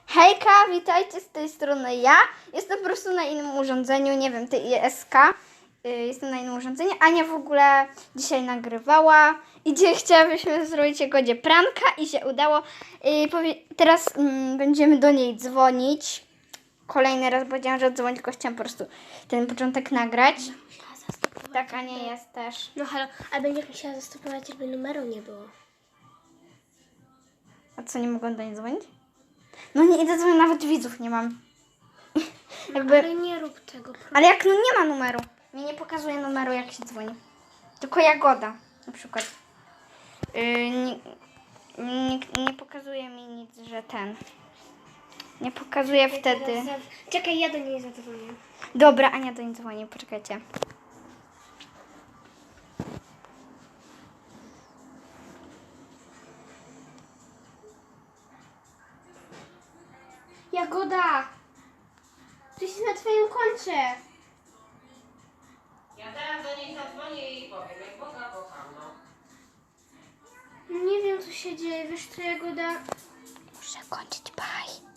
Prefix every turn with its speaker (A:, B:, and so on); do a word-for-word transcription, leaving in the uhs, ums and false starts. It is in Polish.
A: Hejka, witajcie z tej strony ja. Jestem po prostu na innym urządzeniu, nie wiem, ty I S K. Yy, jestem na innym urządzeniu. Ania w ogóle dzisiaj nagrywała i dzisiaj chciałabyśmy zrobić Jagodzie pranka i się udało. Yy, powie... Teraz mm, będziemy do niej dzwonić. Kolejny raz powiedziałam, że dzwonić, tylko chciałam po prostu ten początek nagrać.
B: Musiała zastopować.
A: Tak, Ania jest też.
B: No halo, a będziesz musiała zastopować, żeby numeru nie było.
A: A co, nie mogą do niej dzwonić? No nie idę dzwonić, nawet widzów nie mam. Jakby...
B: Ale nie rób tego. proszę.
A: Ale jak no nie ma numeru. Mi nie pokazuje numeru, jak się dzwoni. Tylko Jagoda na przykład. Yy, nie, nie, nie pokazuje mi nic, że ten. Nie pokazuje wtedy.
B: Teraz za- Czekaj, ja do niej zadzwonię.
A: Dobra, Ania do niej dzwoni, poczekajcie.
B: Jagoda! To jest na twoim koncie.
C: Ja teraz do niej zadzwonię i powiem, jak Boga kocham, no.
B: Nie wiem, co się dzieje. Wiesz co, Jagoda?
A: Muszę kończyć, bye.